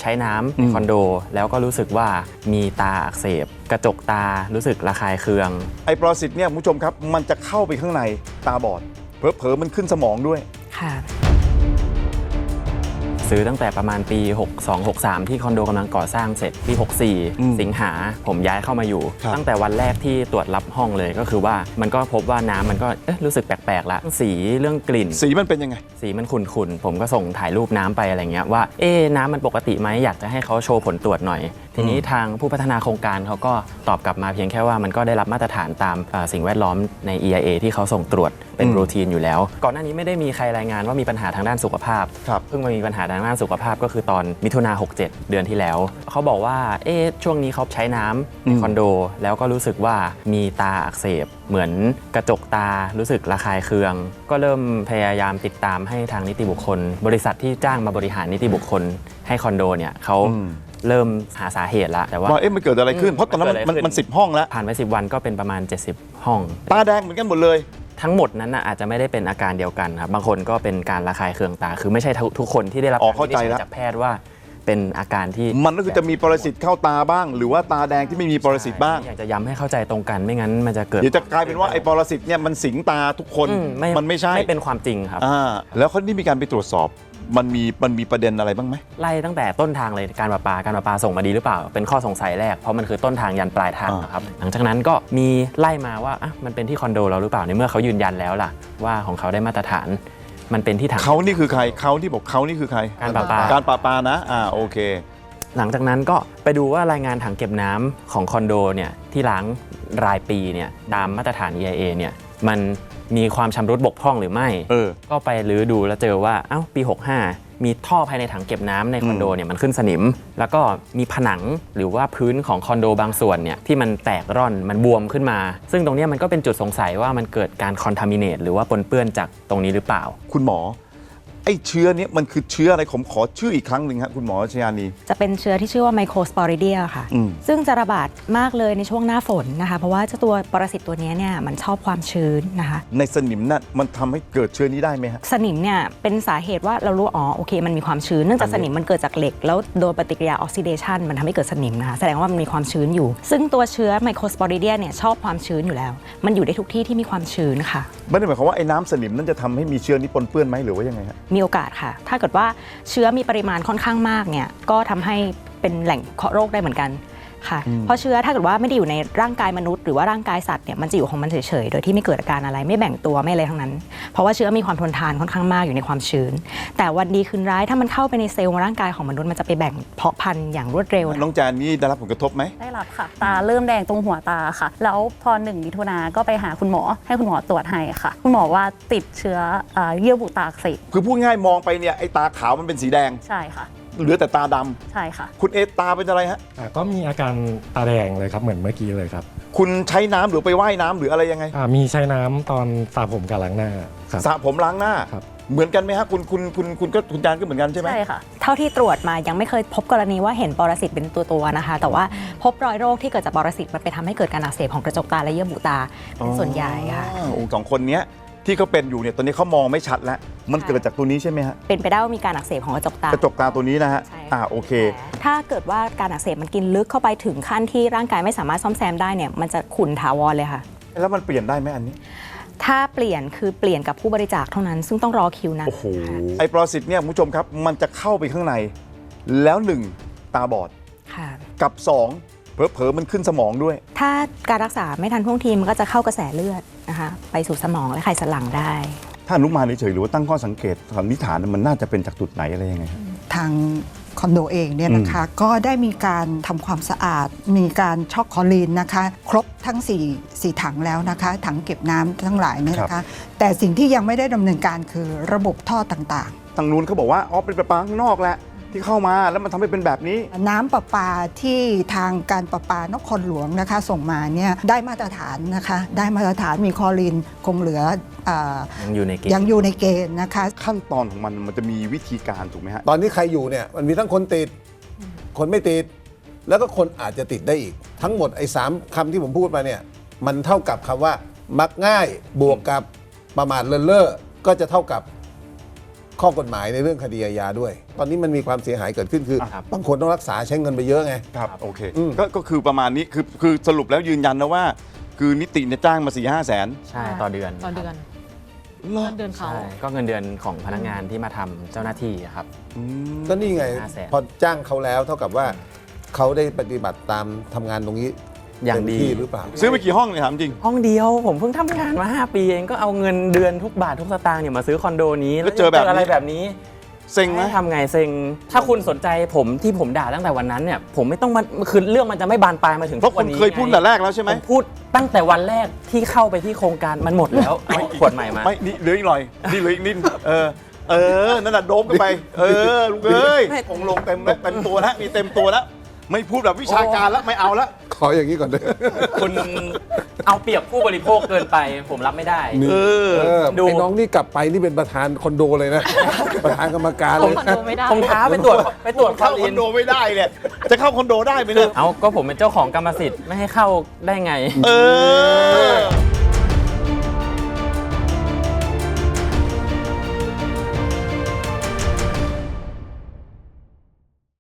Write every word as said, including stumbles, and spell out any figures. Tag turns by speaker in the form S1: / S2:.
S1: ใช้น้ำในคอนโดแล้วก็รู้สึกว่ามีตาอักเสบกระจกตารู้สึกระคายเคือง
S2: ไอ้ปรสิตเนี่ยคุณผู้ชมครับมันจะเข้าไปข้างในตาบอดเผลอๆมันขึ้นสมองด้วย
S3: ค่ะ
S1: ซื้อตั้งแต่ประมาณปีหกสอง หกสามที่คอนโดกำลังก่อสร้างเสร็จปีหกสี่สิงหาผมย้ายเข้ามาอยู่ตั้งแต่วันแรกที่ตรวจรับห้องเลยก็คือว่ามันก็พบว่าน้ำมันก็เอ๊ะรู้สึกแปลกๆละสีเรื่องกลิ่น
S2: สีมันเป็นยังไง
S1: สีมันขุ่นๆผมก็ส่งถ่ายรูปน้ำไปอะไรเงี้ยว่าเอ๊ะน้ำมันปกติไหมอยากจะให้เขาโชว์ผลตรวจหน่อยทีนี้ทางผู้พัฒนาโครงการเขาก็ตอบกลับมาเพียงแค่ว่ามันก็ได้รับมาตรฐานตามสิ่งแวดล้อมใน อี ไอ เอ ที่เขาส่งตรวจเป็นรูทีนอยู่แล้วก่อนหน้านี้ไม่ได้มีใครรายงานว่ามีปัญหาทางด้านสุขภาพเพิ่งมามีปัญหาทางด้านสุขภาพก็คือตอนมิถุนาหกเจ็ดเดือนที่แล้วเขาบอกว่าเอ๊ะช่วงนี้เขาใช้น้ำในคอนโดแล้วก็รู้สึกว่ามีตาอักเสบเหมือนกระจกตารู้สึกระคายเคืองก็เริ่มพยายามติดตามให้ทางนิติบุคคลบริษัทที่จ้างมาบริหารนิติบุคคลให้คอนโดเนี่ยเขาเริ่มหาสาเหตุแล้วแต่ว่า
S2: เอ๊ะมันเกิดอะไรขึ้นเพราะตอนนั้นมันมันสิบห้องแล้ว
S1: ผ่านไปสิบวันก็เป็นประมาณเจ็ดสิบห้อง
S2: ตาแดงเหมือนกันหมดเลย
S1: ทั้งหมดนั้นนะอาจจะไม่ได้เป็นอาการเดียวกันครับบางคนก็เป็นการระคายเคืองตาคือไม่ใช่ทุกคนที่ได้รับการวินิจฉัยจากแพทย์ว่าเป็นอาการที่
S2: มันก็คือจะมีปรสิตเข้าตาบ้างหรือว่าตาแดงที่ไม่มีปรสิตบ้าง
S1: อยากจะย้ำให้เข้าใจตรงกันไม่งั้นมันจะเกิด
S2: เดี๋ยวจะกลายเป็นว่าไอ้ปรสิตเนี่ยมันสิงตาทุกคนมันไม่ใช่
S1: ไม่เป็นความจริงครับ
S2: อ่าแล้วเขาได้มีการไปตรวจสอบมันมีมันมีประเด็นอะไรบ้างไหม
S1: ไล่ตั้งแต่ต้นทางเลยการประปาการประปาส่งมาดีหรือเปล่าเป็นข้อสงสัยแรกเพราะมันคือต้นทางยันปลายทางนะครับหลังจากนั้นก็มีไล่มาว่าอ่ะมันเป็นที่คอนโดเราหรือเปล่าในเมื่อเขายืนยันแล้วล่ะว่าของเขาได้มาตรฐานมันเป็นที่ถัง
S2: เขานี่คือใครเขาที่บอกเขานี่คือใคร
S1: การประปา
S2: การประปานะอ่าโอเค
S1: หลังจากนั้นก็ไปดูว่ารายงานถังเก็บน้ำของคอนโดเนี่ยที่ล้างรายปีเนี่ยตามมาตรฐาน อี ไอ เอ เนี่ยมันมีความชำรุดบกพร่องหรือไม่ก็ไปรื้อดูแล้วเจอว่าเอ้าปีหกห้ามีท่อภายในถังเก็บน้ำในคอนโดเนี่ยมันขึ้นสนิมแล้วก็มีผนังหรือว่าพื้นของคอนโดบางส่วนเนี่ยที่มันแตกร่อนมันบวมขึ้นมาซึ่งตรงนี้มันก็เป็นจุดสงสัยว่ามันเกิดการคอนทามิเนตหรือว่าปนเปื้อนจากตรงนี้หรือเปล่า
S2: คุณหมอไอ้เชื้อนี้มันคือเชื้ออะไรผมขอชื่ออีกครั้งหนึ่งครับคุณหมอชยานี
S3: จะเป็นเชื้อที่ชื่อว่าไมโครสปอริเดียค่ะซึ่งจะระบาดมากเลยในช่วงหน้าฝนนะคะเพราะว่าเจ้าตัวปรสิตตัวนี้เนี่ยมันชอบความชื้นนะคะ
S2: ในสนิมนั่นมันทำให้เกิดเชื้อนี้ได้ไหมฮะ
S3: สนิมเนี่ยเป็นสาเหตุว่าเรารู้อ๋อโอเคมันมีความชื้นเนื่องจากสนิมมันเกิดจากเหล็กแล้วโดยปฏิกิริยาออกซิเดชันมันทำให้เกิดสนิมนะคะแสดงว่ามันมีความชื้นอยู่ซึ่งตัวเชื้อไมโครสปอริเดียเนี่ยชอบความชื้นอยู่แล้วมันอยู่ได้ทุกที่ที่มีความชื้นค่ะ
S2: ไม่ได้หมายความว่าไอ้น้ำสนิมนั่นจะทำให้มีเชื้อนี้ปนเปื้อนไหมหรือว่ายังไงฮะ
S3: มีโอกาสค่ะถ้าเกิดว่าเชื้อมีปริมาณค่อนข้างมากเนี่ยก็ทำให้เป็นแหล่งเคาะโรคได้เหมือนกันค่ะเพราะเชื้อถ้าเกิดว่าไม่ได้อยู่ในร่างกายมนุษย์หรือว่าร่างกายสัตว์เนี่ยมันจะอยู่ของมันเฉยๆโดยที่ไม่เกิดอาการอะไรไม่แบ่งตัวไม่อะไรทั้งนั้นเพราะว่าเชื้อมีความทนทานค่อนข้างมากอยู่ในความชื้นแต่วันดีคืนร้ายถ้ามันเข้าไปในเซลล์ร่างกายของมนุษย์มันจะไปแบ่งเพาะพันธุ์อย่างรวดเร็ว
S2: น้องแจนนี่ได้รับผลกระทบไหม
S4: ได้รับค่ะตาเริ่มแดงตรงหัวตาค่ะแล้วพอหนึ่งมิถุนาก็ไปหาคุณหมอให้คุณหมอตรวจให้ค่ะคุณหมอว่าติดเชื้อเยื่อบุตาอักเสบ
S2: คือพูดง่ายมองไปเนี่ยไอ้ตาขาวมันเป็นสีแดง
S4: ใช่ค่ะ
S2: เหลือแต่ตาด
S4: ำใช่ค่ะ
S2: คุณเอตาเป็นอะไรฮะ
S5: ก็มีอาการตาแดงเลยครับเหมือนเมื่อกี้เลยครับ
S2: คุณใช้น้ำหรือไปว่ายน้ำหรืออะไรยังไง
S5: มีใช้น้ำตอนสระผมกับล้างหน้าครับ
S2: สระผมล้างหน้าเหมือนกันไหมฮะคุณคุณคุณคุณก็คุณจานก็เหมือนกันใช่ไหม
S3: ใช่ค่ะเท่าที่ตรวจมายังไม่เคยพบกรณีว่าเห็นปรสิตเป็นตัวตัวนะคะแต่ว่าพบรอยโรคที่เกิดจากปรสิตมันไปทำให้เกิดการอักเสบของกระจกตาและเยื่อบุตาเป็นส่วนใหญ่ค่ะ
S2: สองคนนี้ที่เขาเป็นอยู่เนี่ยตอนนี้เขามองไม่ชัดแล้วมันเกิดจากตัวนี้ใช่ไหมฮะ
S3: เป็นไปได้ว่ามีการอักเสบของกระจกตาก
S2: ระจกตาตัวนี้นะฮะอ่าโอเค
S3: ถ้าเกิดว่าการอักเสบมันกินลึกเข้าไปถึงขั้นที่ร่างกายไม่สามารถซ่อมแซมได้เนี่ยมันจะขุ่นถาวรเลยค่ะ
S2: แล้วมันเปลี่ยนได้ไหมอันนี้
S3: ถ้าเปลี่ยนคือเปลี่ยนกับผู้บริจาคเท่านั้นซึ่งต้องรอคิวนะ
S2: โอ้โหไอ้ปรสิตเนี่ยคุณผู้ชมครับมันจะเข้าไปข้างในแล้วหนึ่งตาบอดกับสองเผลอๆมันขึ้นสมองด้วย
S3: ถ้าการรักษาไม่ทันท่วงทีมันก็จะเข้ากระแสเลือดนะคะไปสู่สมองและไขสันหลังได้
S2: ถ้าอนุมานเฉยๆหรือว่าตั้งข้อสังเกตสันนิษฐานมันน่าจะเป็นจากจุดไหนอะไรยังไงครับ
S6: ทางคอนโดเองเนี่ยนะคะก็ได้มีการทำความสะอาดมีการช็อกคลอรีนนะคะครบทั้ง4 4ถังแล้วนะคะถังเก็บน้ำทั้งหลายเนี่ยนะคะแต่สิ่งที่ยังไม่ได้ดำเนินการคือระบบท่อต่าง
S2: ๆทางนู้นเขาบอกว่าอ๋อเป็นประปาข้างนอกแหละที่เข้ามาแล้วมันทำให้เป็นแบบนี้
S6: น้ำประปาที่ทางการประปานครหลวงนะคะส่งมาเนี่ยได้มาตรฐานนะคะได้มาตรฐานมีคลอรีนคงเหลือ
S1: ยังอยู่ในเกณฑ์
S6: ยังอยู่ในเกณฑ์นะคะ
S2: ขั้นตอนของมันมันจะมีวิธีการถูกไหมฮะ
S7: ตอนนี้ใครอยู่เนี่ยมันมีทั้งคนติดคนไม่ติดแล้วก็คนอาจจะติดได้อีกทั้งหมดไอ้สามคำที่ผมพูดมาเนี่ยมันเท่ากับคำว่ามักง่ายบวกกับประมาทเลินเล่อก็จะเท่ากับข้อกฎหมายในเรื่องคดีอาญาด้วย ตอนนี้มันมีความเสียหายเกิดขึ้นคือ
S1: ครับ
S7: บางคนต้องรักษาใช้เงินไปเยอะไง
S2: ครับโอเค
S7: อืม
S2: ก็ก็คือประมาณนี้คือคือสรุปแล้วยืนยันนะว่า คือนิติเนี่ยจ้างมาสี่ห้าแสน
S1: ใช่ต่อเดือน
S8: ต่อเดือน
S2: เหรอ
S8: เงินเดือนเขา
S1: ใช่ก็เงินเดือนของพนักงานที่มาทำเจ้าหน้าที่อะครับ
S2: อืม
S7: ก็นี่ไง
S1: ห้าแสน
S7: พอจ้างเขาแล้วเท่ากับว่าเขาได้ปฏิบัติตามทำงานตรงนี้
S1: อย่าง
S7: เต็ม
S1: ดี
S7: ที่หรือเปล่า
S2: ซื้อไปกี่ห้องเนี่ยถามจริง
S1: ห้องเดียวผมเพิ่งทำงานมา ห้า ปีเองก็เอาเงินเดือนทุกบาททุกสตางค์เนี่ยมาซื้อคอนโดนี้
S2: แล้วเจอแบบนี้
S1: อะไรแบบนี้
S2: เซ็งไหม
S1: ให้ทำไงเซ็งถ้าคุณสนใจผมที่ผมด่าตั้งแต่วันนั้นเนี่ยผมไม่ต้องมาคือเรื่องมันจะไม่บานปลายมาถึง
S2: เพราะ
S1: ทุก
S2: คุ
S1: วัน
S2: ณ
S1: นี้
S2: เคยพูดแต่แรกแล้วใช่ไหม
S1: ผมพูดตั้งแต่วันแรกที่เข้าไปที่โครงการมันหมดแล้วเอาขวดใหม่มา
S2: ไม่นี่เหลืออีกหน่อยนี่เหลืออีกนิดเออเออนั่นน่ะโดบกันไป เออลูกเอ้ยองค์ลงเต็มแล้วเต็มตัวแล้วมีเต็มตัวแล้วไม่พูดแบบวิชาการแล้วไม่เอาแล้ว
S7: ขออย่างนี้ก่อนเลย
S1: คุณเอาเปรียบผู้บริโภคเกินไป ผมรับไม่ได้
S7: นี่
S2: เออ
S7: เออ
S1: ดู
S7: ไอ้น้องนี่กลับไปนี่เป็นประธานคอนโดเลยนะ ประธานกรรมการ
S8: เข้า
S7: เลย
S8: คอน
S7: นะ
S8: โดไม่ได้
S1: ผมท้าไปตรวจไปตรวจคอ
S2: เข้า
S1: ลี
S2: คอน นโดไม่ได้เนี่ยจะเข้าคอนโดได้ไหมเนี่ย
S1: เอาก็ผมเป็นเจ้าของกรรมสิทธิ์ไม่ให้เข้าได้ไง
S2: เออ